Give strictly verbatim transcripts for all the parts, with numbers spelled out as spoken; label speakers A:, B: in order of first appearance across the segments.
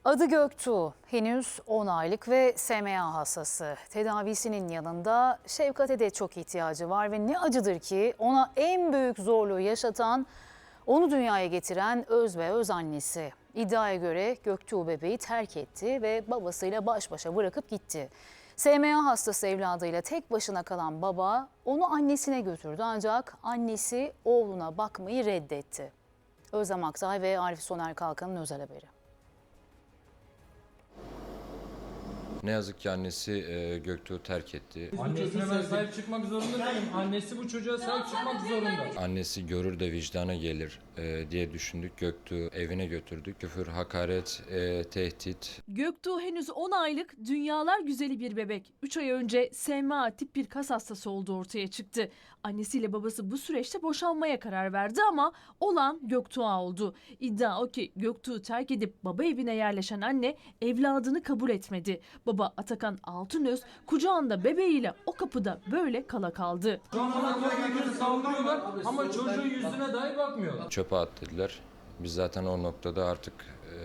A: Adı Göktuğ, henüz on aylık ve S M A hastası. Tedavisinin yanında şefkate de çok ihtiyacı var ve ne acıdır ki ona en büyük zorluğu yaşatan, onu dünyaya getiren öz ve öz annesi. İddiaya göre Göktuğ bebeği terk etti ve babasıyla baş başa bırakıp gitti. S M A hastası evladıyla tek başına kalan baba onu annesine götürdü ancak annesi oğluna bakmayı reddetti. Özlem Aktay ve Arif Soner Kalkan'ın özel haberi.
B: Ne yazık ki annesi e, Göktuğ'u terk etti.
C: Annesine ben sahip çıkmak zorunda değilim. Annesi bu çocuğa sahip çıkmak zorunda.
B: Annesi görür de vicdana gelir e, diye düşündük. Göktuğ'u evine götürdük. Küfür, hakaret, e, tehdit.
D: Göktuğ henüz on aylık, dünyalar güzeli bir bebek. üç ay önce S M A tip bir kas hastası olduğu ortaya çıktı. Annesiyle babası bu süreçte boşanmaya karar verdi ama olan Göktuğ'a oldu. İddia o ki Göktuğ'u terk edip baba evine yerleşen anne evladını kabul etmedi. Baba Atakan Altınöz kucağında bebeğiyle o kapıda böyle kala kaldı.
C: Şu an bana köpekleri saldırıyorlar ama çocuğun yüzüne dahi bakmıyorlar.
B: Çöpe at dediler. Biz zaten o noktada artık e,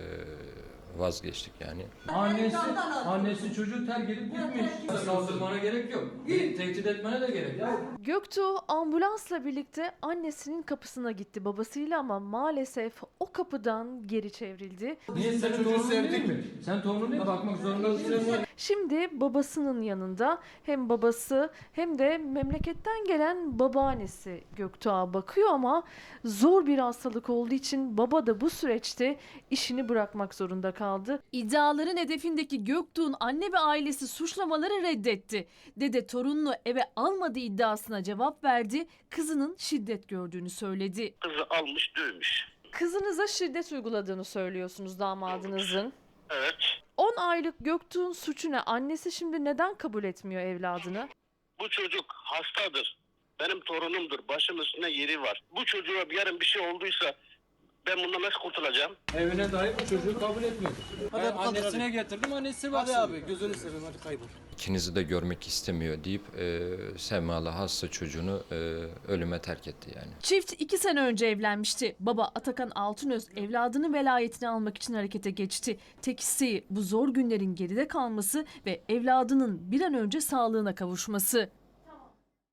B: vazgeçtik yani.
C: Annesi, annesi çocuğu terk edip gitmiş. Saldırmana gerek yok. Tehdit etmene de gerek yok.
D: Göktuğ ambulansla birlikte annesinin kapısına gitti babasıyla ama maalesef o kapıdan geri çevrildi.
C: Niye sen çocuğu sevdik mi? Sen torunun değil mi? Bakmak zorundasın.
D: Şimdi babasının yanında hem babası hem de memleketten gelen babaannesi Göktuğ'a bakıyor ama zor bir hastalık olduğu için baba da bu süreçte işini bırakmak zorunda kaldı. İddiaların hedefindeki Göktuğ'un anne ve ailesi suçlamaları reddetti. Dede torununu eve almadığı iddiasına cevap verdi. Kızının şiddet gördüğünü söyledi.
E: Kızı almış dövmüş.
D: Kızınıza şiddet uyguladığını söylüyorsunuz damadınızın.
E: Evet.
D: on aylık Göktuğ'un suçu ne? Annesi şimdi neden kabul etmiyor evladını?
E: Bu çocuk hastadır. Benim torunumdur. Başım üstünde yeri var. Bu çocuğa yarın bir şey olduysa ben bundan nasıl kurtulacağım?
C: Evine dahi bu çocuğu kabul etmiyor.
F: Hadi
C: Ben
F: abi, hadi,
C: annesine
F: hadi.
C: getirdim, annesi baksın.
F: Hadi abi gözünü seveyim hadi kaybol.
B: İkinizi de görmek istemiyor deyip e, Semalı hasta çocuğunu e, ölüme terk etti yani.
D: Çift iki sene önce evlenmişti. Baba Atakan Altınöz evladının velayetini almak için harekete geçti. Tek isteği bu zor günlerin geride kalması ve evladının bir an önce sağlığına kavuşması.